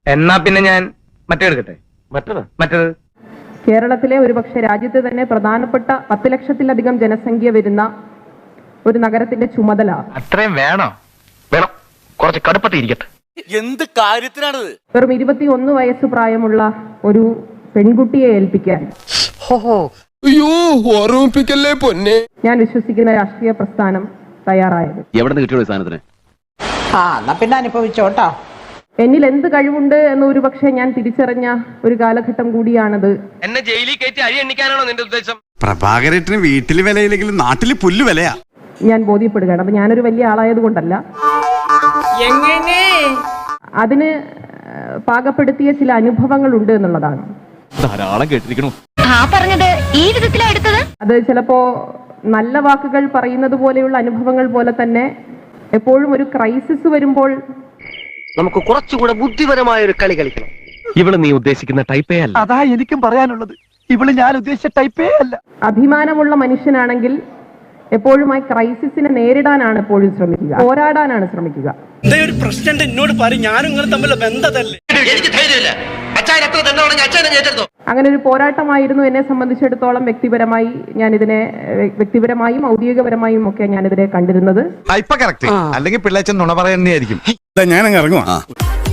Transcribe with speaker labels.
Speaker 1: എന്നാ പിന്നെ ഞാൻ മറ്റേ എടുക്കട്ടെ. മറ്റേത്
Speaker 2: കേരളത്തിലെ ഒരുപക്ഷെ രാജ്യത്ത് തന്നെ പ്രധാനപ്പെട്ട 10 ലക്ഷത്തിലധികം ജനസംഖ്യ വരുന്ന ഒരു നഗരത്തിന്റെ ചുമതല
Speaker 1: അത്രയും വേണോ? വേണം, കുറച്ച് കടുപ്പത്തിരിക്കട്ടെ.
Speaker 3: എന്ത് കാര്യത്തിനാണത്?
Speaker 2: വെറും 21 വയസ്സ് പ്രായമുള്ള ഒരു പെൺകുട്ടിയെ ഏൽപ്പിക്കാൻ ഞാൻ വിശ്വസിക്കുന്ന രാഷ്ട്രീയ പ്രസ്ഥാനം തയ്യാറായത്.
Speaker 4: എവിടെ നിന്ന് കിട്ടിയോ സാധനത്തിന്?
Speaker 5: എന്നാ പിന്നെ അനുഭവിച്ചോട്ടോ.
Speaker 2: എന്നിൽ എന്ത് കഴിവുണ്ട് എന്ന് ഒരുപക്ഷെ ഞാൻ തിരിച്ചറിഞ്ഞ ഒരു കാലഘട്ടം കൂടിയാണത്.
Speaker 1: എന്നെ ജയിലിൽ കയറ്റി അരി എണ്ണിക്കാനാണോ നിന്റെ ഉദ്ദേശം?
Speaker 6: പ്രഭാകരേട്ടന് വീട്ടില് വിലയില്ലെങ്കിലും നാട്ടില് പുല്ല് വിലയാ.
Speaker 2: ഞാൻ ബോധ്യപ്പെടുകയാണ്. അപ്പൊ ഞാനൊരു വലിയ ആളായത് കൊണ്ടല്ല, അതിന് പാകപ്പെടുത്തിയ ചില അനുഭവങ്ങൾ ഉണ്ട് എന്നുള്ളതാണ്.
Speaker 4: ധാരാളം കേട്ടിരിക്കണു.
Speaker 7: പറഞ്ഞത് ഈ വിധത്തിലാണ് എടുത്തത്.
Speaker 2: അത് ചിലപ്പോ നല്ല വാക്കുകൾ പറയുന്നത് പോലെയുള്ള അനുഭവങ്ങൾ പോലെ തന്നെ എപ്പോഴും ഒരു ക്രൈസിസ് വരുമ്പോൾ
Speaker 8: നമുക്ക് കുറച്ചുകൂടെ ബുദ്ധിപരമായ ഒരു കളി കളിക്കണം.
Speaker 1: ഇവള് നീ ഉദ്ദേശിക്കുന്ന ടൈപ്പേ അല്ല.
Speaker 8: അതാ എനിക്കും പറയാനുള്ളത്. ഇവള് ഞാൻ ഉദ്ദേശിച്ച ടൈപ്പേ അല്ല.
Speaker 2: അഭിമാനമുള്ള മനുഷ്യനാണെങ്കിൽ എപ്പോഴും ആ ക്രൈസിസിനെ നേരിടാനാണ് എപ്പോഴും ശ്രമിക്കുക, പോരാടാനാണ് ശ്രമിക്കുക.
Speaker 3: ഒരു പ്രശ്നം എന്നോട് പറയും, ഞാനും നിങ്ങൾ തമ്മിലുള്ള ബന്ധതല്ലേ.
Speaker 8: എനിക്ക് ധൈര്യമില്ല. അച്ഛൻ എത്ര തന്നെ അച്ഛനെ ഏറ്റെടുത്തോ.
Speaker 2: അങ്ങനെ ഒരു പോരാട്ടമായിരുന്നു എന്നെ സംബന്ധിച്ചിടത്തോളം. വ്യക്തിപരമായി ഞാനിതിനെ വ്യക്തിപരമായും ഔദ്യോഗികപരമായും ഒക്കെ ഞാനിതിനെ കണ്ടിരുന്നത്.
Speaker 6: ഇപ്പൊ കറക്റ്റ്, അല്ലെങ്കിൽ പിള്ളേച്ചൻ നുണ പറയുന്നതായിരിക്കും. ഞാനങ്ങ് ഇറങ്ങുവാ.